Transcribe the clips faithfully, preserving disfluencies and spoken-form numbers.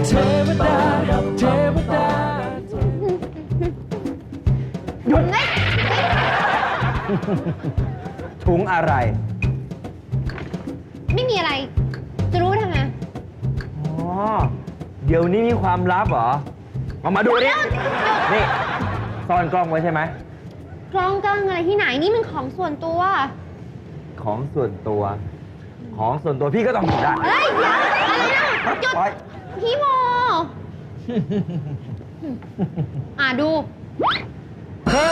เทวดาเทวดาหยุดนะถุงอะไรไม่มีอะไร จะรู้ทำไมอ๋อ เดี๋ยวนี้มีความลับเหรอเอามาดูดินี่ซ่อนกล้องไว้ใช่ไหมกล้องกล้องอะไรที่ไหนนี่มันของส่วนตัวของส่วนตัว ของส่วนตัวพี่ก็ต้องหยิบได้เฮ้ยเดี๋ยวอะไรนะหยุดปล่อยพี่โม อ่ะดูเฮ้ย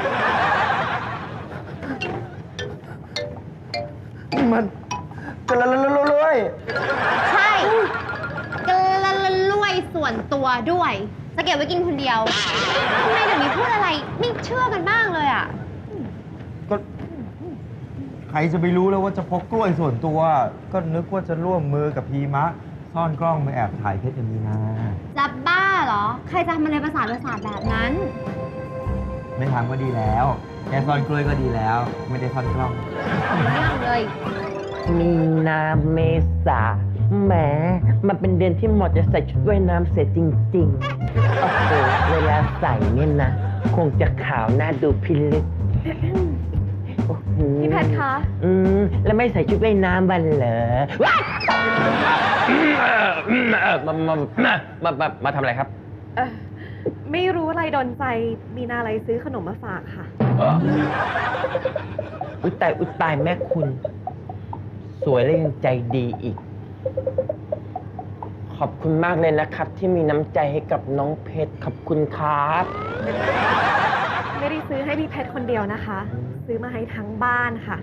นี่มันกระละละละเลยใช่กระลวยส่วนตัวด้วย จะเก็บไว้กินคนเดียวทำไมเดี๋ยวนี้พูดอะไรไม่เชื่อกันบ้างเลยอ่ะก็ใครจะไปรู้แล้วว่าจะพกกล้วยส่วนตัว ก็นึกว่าจะร่วมมือกับพีมะ ซ่อนกล้องมาแอบถ่ายเพชรอย่างนี้นะจะบ้าเหรอ ใครจะทำอะไรประสาทประสาทแบบนั้นไม่ทำก็ดีแล้ว แค่ซ่อนกล้วยก็ดีแล้ว ไม่ได้ซ่อนกล้องเรื่องเลยมีนาเมษาแหมมันเป็นเดือนที่เหมาะจะใส่ชุดว่ายน้ำเสียจริงๆ โอ้โห เวลาใส่เนี่ยนะ คงจะขาวน่าดูพิลึกโอ้โหพี่แพทย์คะอืม แล้วไม่ใส่ชุดว่ายน้ำบันเหรอว้ายมามามามามามาทำอะไรครับเออไม่รู้อะไรโดนใจ มีนาอะไรซื้อขนมมาฝากค่ะอุยตายอุยตายแม่คุณ สวยและยังใจดีอีก ขอบคุณมากเลยนะครับ ที่มีน้ำใจให้กับน้องเพชรขอบคุณครับไม่ได้ซื้อให้พี่เพชรคนเดียวนะคะ ซื้อมาให้ทั้งบ้านค่ะ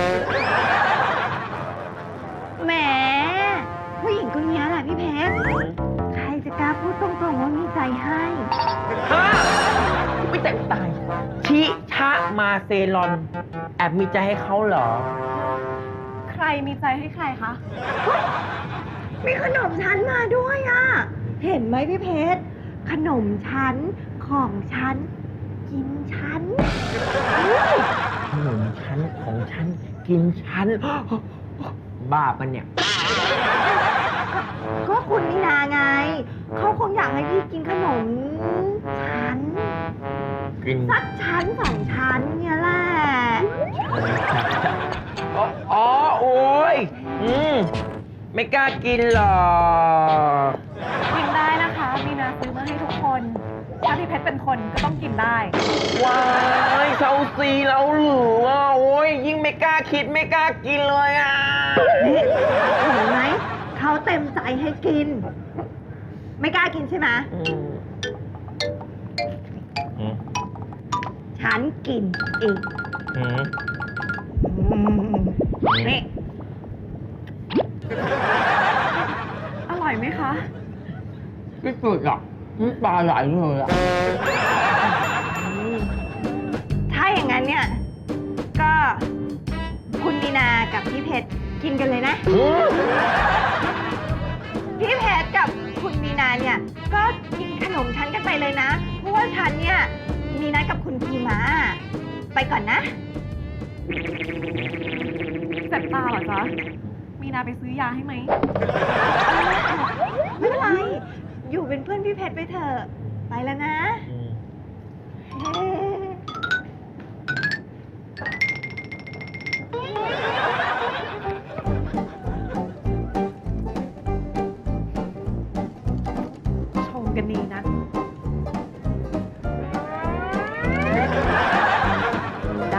แหมผู้หญิงคนนี้แหละพี่เพชร ใครจะกล้าพูดตรงๆว่ามีใจให้ฮะไม่แต่ตาย ชิชะมาเซลอน แอบมีใจให้เขาเหรอใครมีใจให้ใครคะมีขนมชั้นมาด้วยอ่ะ เห็นไหมพี่เพชร ขนมชั้นของชั้น กินชั้นขนมชั้นของฉัน กินชั้น บ้าปะเนี่ยก็คุณมีนาไง เขาคงอยากให้พี่กินขนมชั้นกินสักชั้นสองชั้นเนี่ยแหละอ๋ออ๋อโอ้ยอืม ไม่กล้ากินหรอกกินได้นะคะ มีนาซื้อมาให้ทุกคน ถ้าพี่เพชรเป็นคนก็ต้องกินได้ว้ายเซาซีแล้วหรือว่าโอ้ยยิ่งไม่กล้าคิดไม่กล้ากินเลยอ่ะเห็นไหม เขาเต็มใจให้กิน ไม่กล้ากินใช่ไหมอืมอืมฉันกินเองอืมนี่อร่อยไหมคะที่สุดอ่ะน้ำตาไหลเลยอ่ะถ้าอย่างนั้นเนี่ย ก็คุณมีนากับพี่เพชรกินกันเลยนะอืมพี่เพชรกับคุณมีนาเนี่ย ก็กินขนมฉันกันไปเลยนะ เพราะว่าฉันเนี่ยมีนัดกับคุณพีมาไปก่อนนะเจ็บตาเหรอจ๊ะ มีนาไปซื้อยาให้ไหมไม่เป็นไร อยู่เป็นเพื่อนพี่เพชรไปเถอะ ไปแล้วนะชงกันดีนะ ได้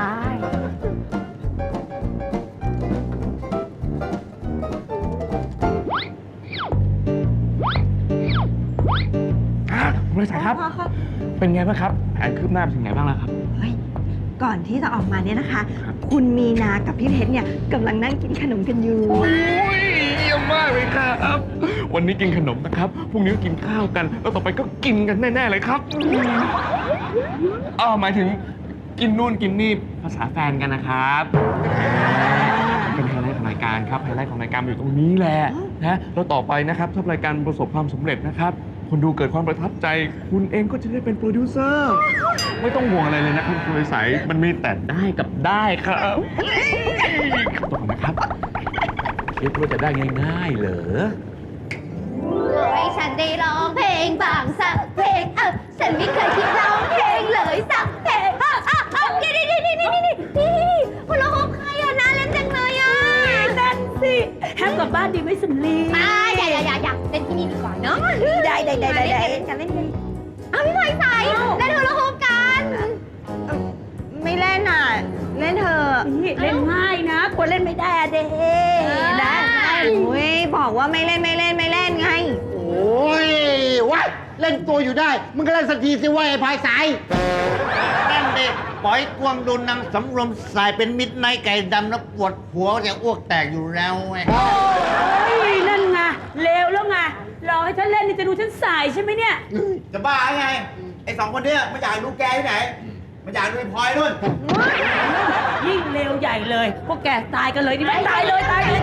บริษัทครับ เป็นไงบ้างครับ แผนคืบหน้าไปถึงไหนบ้างแล้วครับเฮ้ย ก่อนที่จะออกมาเนี่ยนะคะ คุณมีนากับพี่เพชรเนี่ยกำลังนั่งกินขนมกันอยู่โอ้ยเยี่ยมมากเลยครับ วันนี้กินขนมนะครับ พรุ่งนี้ก็กินข้าวกัน แล้วต่อไปก็กินกันแน่ ๆ เลยครับอ้าวหมายถึงกินนู่นกินนี่ภาษาแฟนกันนะครับ เป็นไฮไลท์ของรายการครับ ไฮไลท์ของรายการมันอยู่ตรงนี้แหละนะแล้วต่อไปนะครับถ้ารายการประสบความสำเร็จนะครับ คนดูเกิดความประทับใจ คุณเองก็จะได้เป็นโปรดิวเซอร์ ไม่ต้องห่วงอะไรเลยนะครับคุณใสมันมีแต่ได้กับได้ครับขอบคุณนะครับคิดว่าจะได้ง่ายๆเหรอให้ฉันได้ร้องเพลงบางสักเพลงเออฉันไม่เคยคิดร้องเพลงเลยสักเพลงอ่ะอ่ะอ่ะนี่นี่นี่นี่นี่นี่นี่คนละฮบใครอ่ะน่าเล่นจังเลยอ่ะนั่นสิแฮมกลับบ้านดีไหมสำลีมาอย่าอย่าอย่าอย่าเล่นที่นี่ดีกว่าเนาะได้ได้ได้ได้ได้เล่นกันเล่นกันเอาพี่พลอยใส่เล่นคนละฮบกันไม่เล่นอ่ะ เล่นเถอะเล่นง่ายนะกลัวเล่นไม่ได้อะเด้นะอุ้ยบอกว่าไม่เล่นไม่เล่นไม่เล่นไงโอ้ยวะเล่นตัวอยู่ได้ มึงก็เล่นสักทีสิว่าไอ้พายสายนั่นเด็กปล่อยกวางโดนนางสำรวมสายเป็นมิดไนท์ไก่ดำแล้วปวดหัวจะอ้วกแตกอยู่แล้วไงโอ้ยนั่นไงเลวแล้วไงรอให้ฉันเล่นนี่จะดูฉันสายใช่ไหมเนี่ยจะบ้าไง ไอ้สองคนเนี้ยมันอยากดูแกที่ไหน มันอยากดูไอ้พลอยนู่นยิ่งเลวใหญ่เลยพวกแกตายกันเลยดีไหมตายเลยตายเลย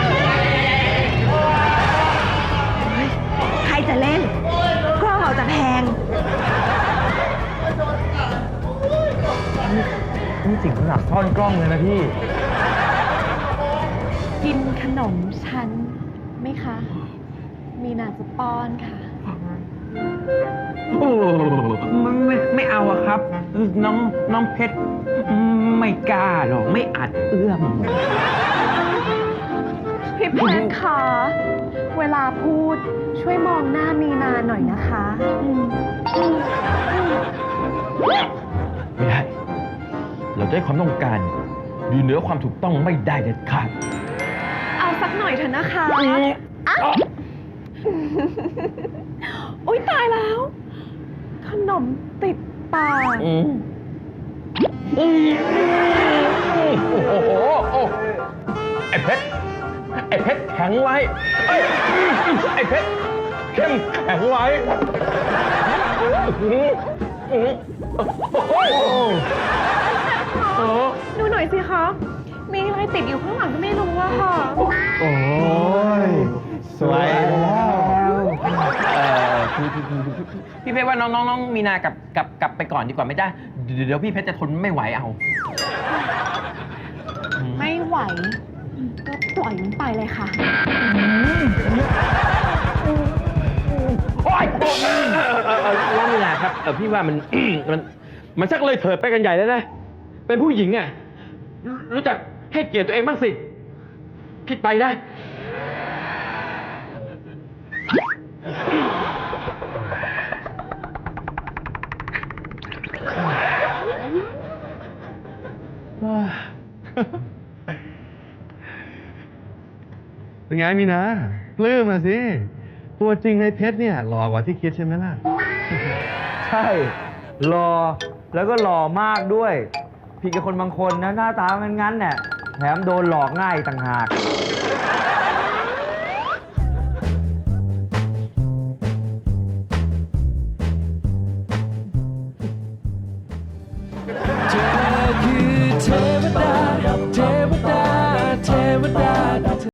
ใครจะเล่นกล้องเราจะแพงนี่ถึงขนาดซ่อนกล้องเลยนะพี่กินขนมฉันไหมคะ มีนาจะป้อนค่ะโอ้ไม่ไม่ไม่เอาอะครับ น้องน้องเพชรไม่กล้าหรอกไม่อาจเอื้อมพี่เพชรคะ เวลาพูดช่วยมองหน้ามีนาหน่อยนะคะอืมอืมอืมไม่ได้ เราจะให้ความต้องการอยู่เหนือความถูกต้องไม่ได้เด็ดขาดเอาสักหน่อยเถอะนะคะอ้าวอุ๊ย ตายแล้ว ขนมติดปากอืมอืมโอ้โหโอ้ไอ้เพชร ไอ้เพชรแข็งไว้เอ้ยไอ้เพชรเข้มแข็งไว้อื้ออื้อโอ้ยโอ้ดูหน่อยสิคะ มีอะไรติดอยู่ข้างหลังก็ไม่รู้อะค่ะโอ้ย สวยแล้วเอ่อพี่พี่พี่พี่พี่เพชรว่าน้องน้องน้องมีนากลับกลับกลับไปก่อนดีกว่าไม่ได้ เดี๋ยวเดี๋ยวพี่เพชรจะทนไม่ไหวเอาไม่ไหว ก็ปล่อยมันไปเลยค่ะโอ๊ยน้องมีนาครับเออพี่ว่ามัน มันมันชักเลยเถิดไปกันใหญ่แล้วนะ เป็นผู้หญิงอ่ะรู้รู้จักให้เกียรติตัวเองบ้างสิผิดไปได้เป็นไงมีนะปลื้มมาสิ ตัวจริงในเพชรเนี่ยหล่อกว่าที่คิดใช่ไหมล่ะใช่หล่อแล้วก็หล่อมากด้วย ผิดกับคนบางคนนะหน้าตางั้นๆเนี่ยแถมโดนหลอกง่ายต่างหาก